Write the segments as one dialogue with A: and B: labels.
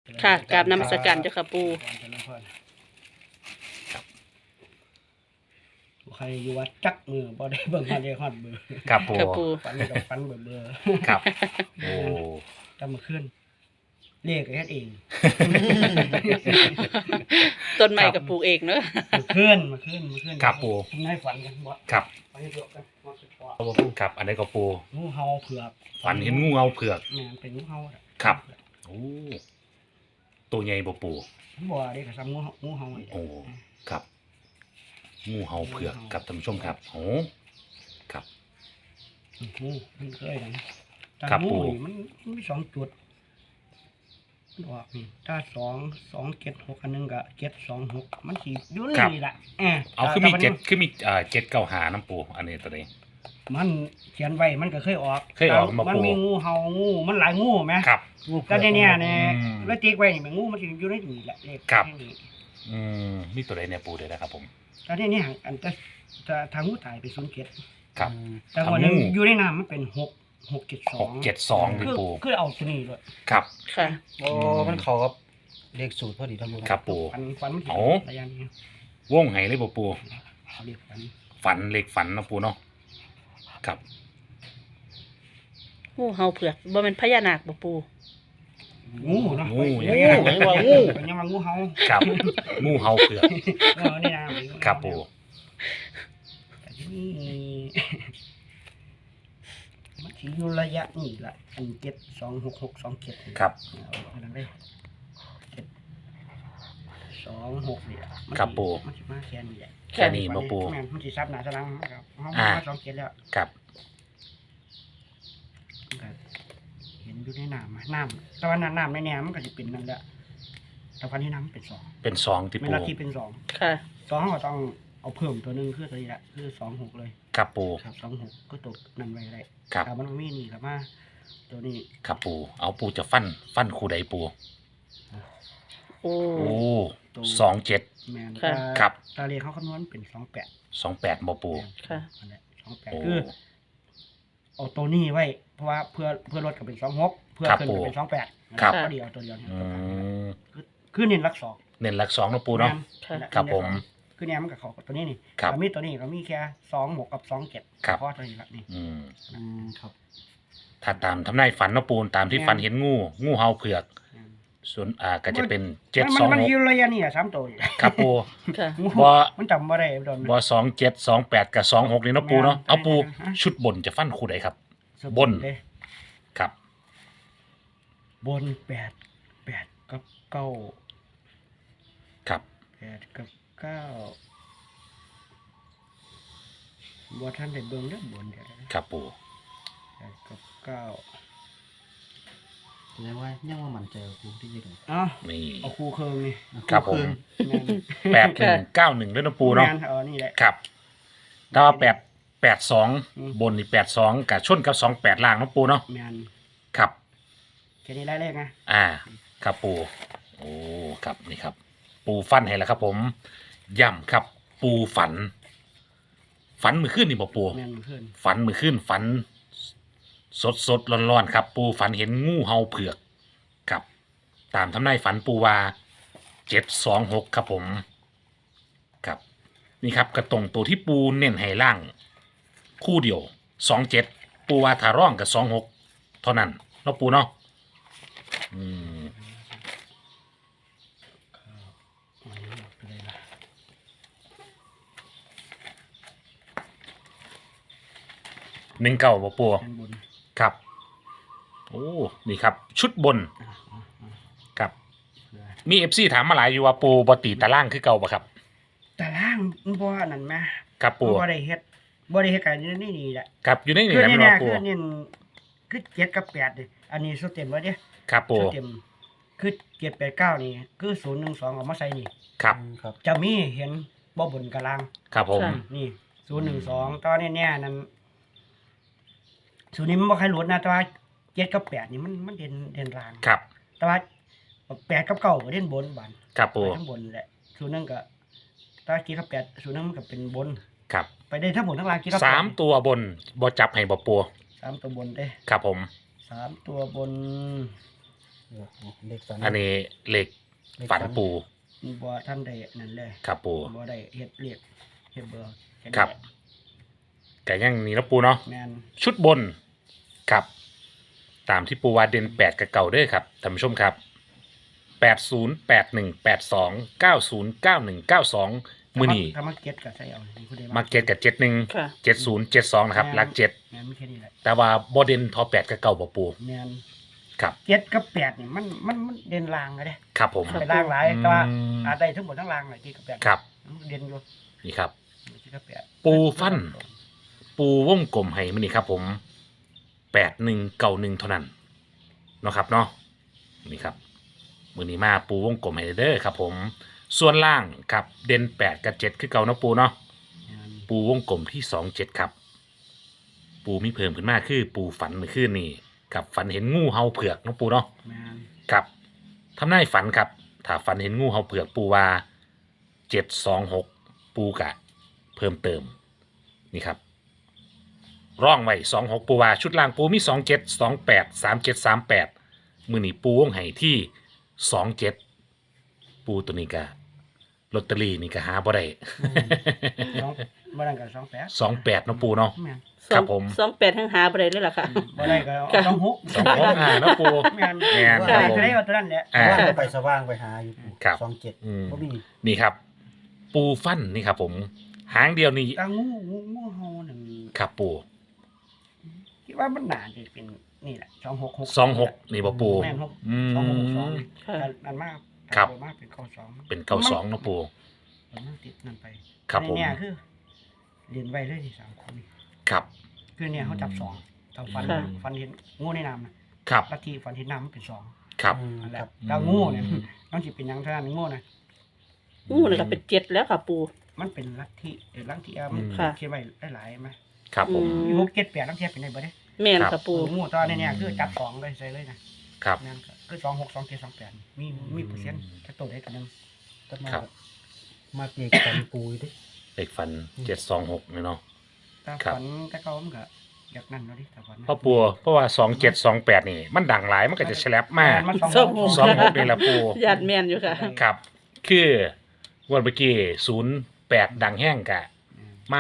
A: ค่ะกราบนมัสการเจ้าค่ะปู
B: ใครอยู่วัดจักมือบ่ได้เบิ่งมาได้ฮอดเบอร์
C: ครับปู
A: ค่ะปู
B: ฝันนี่ก็ฝันเบอร์
C: ครับโอ้
B: จำมาขึ้นเลขเฮ็ดเอง
A: ต้นไม้กับปลูกเองเนอะ
B: มาขึ้น
C: ครับปู
B: ผมให้ฝันกันบ่
C: ครับ
B: ฝันให้เผือกกันว่าสิพอ
C: ครับอันนี้ก็ปู
B: งูเห่าเผือก
C: ฝันเห็นงูเงาเผือก
B: แม่นเป็นงูเห่าอะ
C: ครับ โอ้ตัวใหญ่บ่ปู
B: บ่ได้ก็ซ้ำงูเห่านี่แหละ
C: โอ้ครับ งูเห่าเผือกครับท่านผู้ชมครับโอ้ครับ
B: งูมันเคยกันแต่
C: ครับ
B: งู
C: ปู่
B: นี่มันมีสองจุดมันออกนี่ถ้า2 7 6อันนึงก็7 2 6มันสิอยู่ในนี่ล่ะ
C: เอาคือมี
B: แต่
C: เจ็ดคือมีเจ็ดเก้าหาน้ำปูอันนี้ตัวนี้
B: มันเขียนไว้มันก็เคยออก
C: เคยออกมา
B: มัน
C: ปู่
B: มีงูเห่างูมันหลายงูไหม
C: ครับ
B: แต่เนี่ยเนี่ย
C: อืม
B: แล้วติ๊กไว้นี่มันงูมันสิอยู่ในนี่แหละเลข
C: ครับ
B: ในนี่
C: มีตัวใดเนี่ยปูเดี๋ยวนะครับผม
B: แต่เนี่ยอันจะทางงูตายไป07
C: ครับ
B: แต่วันนึง
C: ทางงู
B: อยู่ในน้ำมันเป็น6 6 7
C: หก
B: 2
C: เจ็ดสองดิ
B: คือ
C: ปู
B: คือเอาตัวนี้เลย
C: ครับ
A: ค่ะ
D: โอ้มันเข้ากับเลขสูตรพอดีทั้งหมด
C: ครับปู
B: ฟันมัน
C: โอ้
B: ระยะนี้
C: ว่องไห้เลยบ่ปู
B: เขาเรียกฟัน
C: ฝันเล็กฝันนะปูเนาะครับ
A: งูเห่าเผือกบ่เป็นพญานาคบ่ปู
B: งูเนาะ
C: งู
B: เฮ้ย
C: งู
B: เฮ้ยว่างูเป็นยังว่างูเห่า
C: ครับ งูเห่าเผือก
B: นี่นะครับ
C: ปู
B: แต่ที่นี่มันสิอยู่ระยะนี่ละ7 2 6 6 2 7
C: ครับ
B: อันนั้นเลย7 2 6นี่ล่ะมัน
C: ครับปู่
B: มันสิมาแค่นี้แหละ
C: แค่นี้บ่ปู
B: แม่นมันสิซับหน้าสลังครับเฮา
C: อ่า
B: มา2 7แล้ว
C: ครับ
B: มันก็เห็นอยู่ในน้ำแต่ว่าน้ำในแนวมันก็สิเป็นนั่นแหละแต่วันที่น้ำมันเป็น2
C: เป็นสองที่
B: เว
C: ปู
B: ลาที่เป็น2
A: ค่ะ
B: 2ก็ต้องเอาเพิ่มตัวหนึงคือตัวนี้แหละคือ26เลย
C: ครับปู
B: ครับ26ก็ตกนั่นไว้ได้
C: ครับ
B: แต่มันบ่มีนี่ครับมาตัวนี้
C: ครับปูเอาปูจะฟันคู่ใดปู
A: โอ้
C: โอ้
B: ตัว
C: 27
B: แม่น
A: ค่ะ
C: ครับ
B: ตาเลขเขาคำนวณเป็น28
C: 28บ่ปู
A: ค่ะ
B: นั่นแหละ
C: โอ้
B: 28คือเอาตัวนี้ไว้เพราะว่าเพื่อลดก็เป็น26เพื่อ
C: ครับ
B: ขึ้นก็เป็น28
C: ครับ
B: ก็เดียวตัวเดียวเนี่ย
C: อืม
B: คือเน้นหลัก2
C: เน้นหลักสองนะปูเนาะ
A: ค่ะ
C: ครับผม
B: คือเนี่ยมันกับเขากับตัวนี้นี่
C: ครับ
B: แต่มีตัวนี้ก็มีแค่26กับ27
C: ครับ
B: เพราะตัวนี้ละนี่
D: ครับ
C: ถ้าตามทำนายฝันนะปูตามที่
B: แม่น
C: ฝันเห็นงูเห่าเผือก ส่วนก็จะเป็น
B: มันอยู่
C: 726
B: ระยะนี่อ่ะ3ตัวอยู่
C: ครับปู
A: ค่ะ
C: บ่
B: มันจำบ่ได้โดน
C: บ่2728กับ26นี่เนาะปูเนาะ
B: แม่น
C: เอาปู
B: ฮะ
C: ชุดบนจะฟันคู่ใดครับ บน
B: เลย
C: ครับ
B: บน8กับ9
C: ครับ
B: 8กับ9บ่ทันได้เบิ่งเด้อบนเดี๋ยวนะครับ
C: ปู
B: 8กับ9
D: แสดงว่ายังว่ามันใจกูที่ยืน
B: เอ้า
C: นี่
B: เอาคู่เครื่องนี่
C: ครับผม
B: แม่น
C: 8191ด้วยนะปูเนาะ
B: แม่นนี่แหละ
C: ครับถ้าว่า82
B: อืม
C: บนนี่82กับชนกับ28ล่างเนาะปูเนาะ
B: แม่น
C: ครับ
B: แค่นี้ได้เลขนะ
C: ครับปูโอ้ครับนี่ครับ ปูฟันให้แล้วครับ ผมย่ำครับ ปูฝันมือขึ้นนี่บอกปู
B: แม่นเพื่อน
C: ฝันมือขึ้นฝัน สดร้อนๆครับ ปูฝันเห็นงูเห่าเผือกครับ ตามทำนายฝันปูว่า726ครับผมครับนี่ครับกระตรงตัวที่ปูเน้นให้ล่าง คู่เดียว27ปูว่าถ้าร่องกับ26เท่านั้นเนาะปูเนาะอืม
B: อันนี้ออกไปเลยล่ะ
C: 19บ่ปู
B: ด้านบน
C: ครับ โอ้นี่ครับ ชุดบน
B: อ่ะ
C: ครับ
B: เผื่อ
C: มี FC ถามมาหลายอยู่ว่าปูบ่ตีตารางคือเก่าบ่ครับ
B: แต่ล่างมันบ่อันนั่นแหม
C: ครับปู
B: บ่ได้เฮ็ดกันนี่แหละ
C: ครับอยู่ในนี่
B: คือ
C: แหละ
B: นี่
C: แม่น
B: แน่
C: บ่ปู
B: คือนี่คือ7กับ8นี่อันนี้สุดเต็มแล้วเด้
C: ครับปู
B: สุดเต็มคือ7 8 9นี่คือ0 1 2เอามาใส่นี่
C: ครับ
D: ครับ
B: จะมีเห็นบ่บนกับล่าง
C: ครับผม
A: ค่ะ
B: นี่0 1 2ตอนนี้เนี่ยนั่น0นี้มันบ่ใครหลุดนะแต่ว่า7กับ8นี่มันเด่นล่าง
C: ครับ
B: แต่ว่า8กับ9ก็เด่นบนบาน
C: ครับปู
B: ไปทั้งบนแหละ0 1ก็ถ้า7กับ8 0 1มันก็เป็นบน
C: ครับ
B: ไปได้ทั้งบนทั้งล่าง7กับ
C: สาม
B: 8
C: ตัวบนบ่จับให้บ่ปู
B: 3ตัวบนเด้
C: ครับผม
B: 3ตัวบน
D: เลขฝัน
C: อันนี้เลขฝันปู
B: บ่ท่านได้นั่นเลย
C: ครับปู
B: บ่ได้เฮ็ดเรียกเฮ็ดเบอร์แนี้
C: ครับแต่ยังนี่นะปูเนาะ
B: แม่น
C: ชุดบนครับตามที่ปูวาเด่น8กับเก่าเด้อครับท่านผู้ชมครับ80 81 82 90 91 92มื้อนี้
B: ถ้ามาเก็ตก็ใส่เอานี่ผู้ใด
C: มาเก็ตกับ71
A: ค่ะ
C: 70 72นะครับหลัก7
B: แม่นมีแค่นี้แหละ
C: แต่ว่าบ่เด่นทอ8กับเก่าบ่ปู
B: แม่น
C: ครับ
B: เจ็ดกับแปดนี่มันเด่นลางเลยเด้
C: ครับผม
B: ไปลางหลายแต่ว่าอาจได้ทั้งหมดทั้งลางเลยเจ็ดกับแปด
C: ครับ
B: มันเด่นอยู่
C: นี่ครับ
B: เจ็ดกับแปด
C: ปูฟัน ปูวงกลมให้มื้อนี้ครับผม8191เท่านั้นเนาะครับเนาะนี่ครับมื้อนี้มาปูวงกลมให้เด้อครับผมส่วนล่างครับเด่น8กับ7คือเก่าเนาะปูเนาะ
B: แม่น
C: ปูวงกลมที่27ครับ ปูมีเพิ่มขึ้นมาคือปูฝันเมื่อคืนนี้กับฝันเห็นงูเห่าเผือกเนาะปูเนาะ
B: แม่น
C: กับทำนายฝันครับถ้าฝันเห็นงูเห่าเผือกปูว่า726ปูกะเพิ่มเติมนี่ครับร่องไว้26ปูว่าชุดล่างปูมี27 28 37 38มือนี้ปูวงไห้ที่27ปูตัวนี้กะลอตเตอรี่นี่ก็หาบ่ได้
B: สองบ่ได้ก็28
C: 28เนาะปูเนาะ
B: แม่น
C: ครับผม
A: 28ทั้งหาบ่ได้เลยล่ะค่ะ
B: บ่ได้ก็
A: ค่ะ
B: เอา26
C: 26เนาะปู
B: แม่น
C: แม่น
B: ได้ก็ได้เอาตัวนั้นแหละ
C: อ่า
D: ว่างก็ไปสว่างไปหาอยู่
C: ครับ
D: 27
C: อืม
D: บ่มี
C: นี่ครับ ปูฟันนี่ครับผม หางเดียวนี่
B: แต่งูเห่านั่น
C: ครับปู
B: คิดว่ามันน่าจะเป็นนี่แหละ266
C: 26นี่บ่ปู
B: แม่นหก
C: อื
B: 262
C: ม
A: ค่ะ
B: อันมาก
C: ครับ
B: มากเป็น92
C: เป็น92เนาะปู
B: มันติดนั่นไป
C: ครับผม
B: ในเนี่ยคือเรียนไว้เลยที่3คนนี่
C: ครับ
B: คือเนี่ยเขาจับสองถ้าฟัน
A: ค่ะ
B: ฟันเห็นงูในน้ำนะครับ ลัทธิฟันเห็นน้ำมันเป็นสอง
C: ครับ
B: นั่นแหละ
D: ครับ
B: แล้วงูเนี่ยต้องสิเป็นหยังเท่านั้นงูนะ
A: งูนี่ก็เป็น7แล้วค่ะปู
B: มันเป็นลัทธิลัทธิมัน
A: ค่ะ
B: เขียนไว้หลายๆไหม
C: ครับผม
B: มีหกเจ็ดแปดลังเทียเป็นได้บ่ได้
A: แม่น
C: ครั
A: ค่ะ
C: บ
A: ปู
B: งูตอนนี้เนี่ยคือจับสองเลยใส่เลยนะครับ นั่นก็คือ26 27 28มีเปอร์เซ็นต์ถ้าตัวได้ตัวหนึง
D: แต่มา
C: ครับ
D: มาเด็กกันปูอยู่ดิ
C: เลขฟัน726นี่เนาะ
B: ถ้า
C: ครับ
B: ฝันแต่เขามันก็อยากนั่นเนาะดิถ้าฝันนะ
C: เพราะปูเพราะว่า2728นี่ มันดังหลายมันก็จะแฉลบมาก
B: มัน
C: 26นี่แหละปู
A: ญาติแม่นอยู่ค่ะ
C: ครับ คือวันเมื่อกี้08ดังแห้งกะมา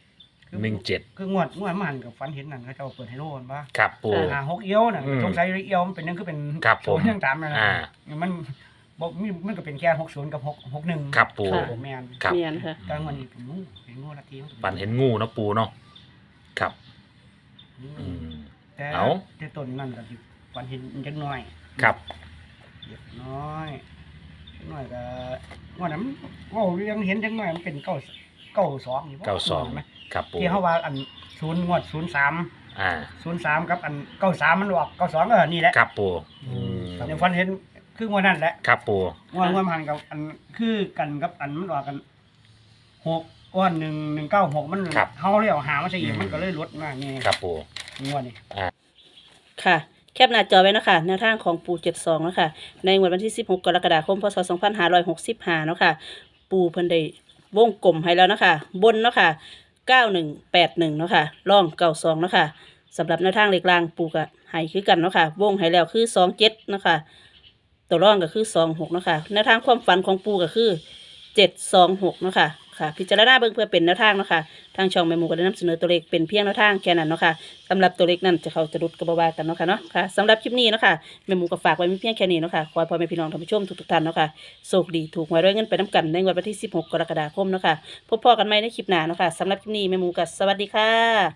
C: 17
B: คืองวดมันกับฝันเห็นนั่นเขาเจ้าเปิดให้โลกันป่ะ
C: ครับปู
B: 6เอี้ยวน่ะ
C: อืม
B: สงสัยเอี้ยวมันเป็นนึงคือเป็น
C: ครับผม
B: ศูนย์ยังตามนั่นน่ะ
C: อ่า
B: มันบอกมันก็เป็นแค่60กับ61
C: ครับปู
A: ค่ะ
B: แม่น
C: ครับ
A: แม่นค่ะ
B: กลางวันนี้เป็นงูละทีมัก็
C: ฝันเห็นงูเนาะปูเนาะครับ อืม
B: แต่
C: เอา
B: แต่ต้นนั่นก็สิฝันเห็นจักหน่อย
C: ครับ
B: เล็กน้อยจักหน่อยก็ว่านั้นเว้าเรื่องเห็นจักหน่อยมันเป็น92นี่บ่
C: 92
B: ไหม
C: ครับปู
B: ที่เฮาว่าอัน0งวด03
C: อ่า
B: 03กับอัน93มันออก92ก็นี่แหละ
C: ครับปูอืม
B: เดี๋ยวฝันเห็นคืองวดนั้นแหละ
C: ครับปู
B: งวดมันกับอันคือกันกับอันมันออกกัน6ก้อน196มันเฮาเลยเอาหามาใส่อีกมันก็เลยลดมานี่
C: ครับปู
B: งวดนี้
A: ค่ะ แคปหน้าจอไว้เนาะคะแนวทางของปู72เนาะคะในงวดวันที่16กรกฎาคมพศ2565เนาะค่ะปูเพิ่นได้วงกลมให้แล้วเนาะคะบนเนาะค่ะ9181เนาะค่ะล่อง92เนาะค่ะสำหรับแนวทางเลขล่างปูก็ให้คือกันเนาะค่ะวงให้แล้วคือ27เนาะค่ะตัวร่องก็คือ26เนาะค่ะแนวทางความฝันของปูก็คือ726เนาะค่ะค่ะพิจารณาเบิ่งเพื่อเป็นแนวทางเนาะค่ะทางช่องแม่หมูก็ได้นำเสนอตัวเลขเป็นเพียงแนวทางแค่นั้นเนาะค่ะสำหรับตัวเลขนั้นจะเข้าจะรุดกระบว่ากันเนาะค่ะเนาะค่ะสำหรับคลิปนี้เนาะค่ะแม่หมูก็ฝากไว้มีเพียงแค่นี้เนาะค่ะขอให้พ่อแม่พี่น้องท่านผู้ชมทุกๆท่านเนาะค่ะโชคดีถูกหวยรวยเงินไปน้ำกันในวันที่16กรกฎาคมเนาะค่ะพบกันใหม่ในคลิปหน้าเนาะค่ะสำหรับคลิปนี้แม่หมูก็สวัสดีค่ะ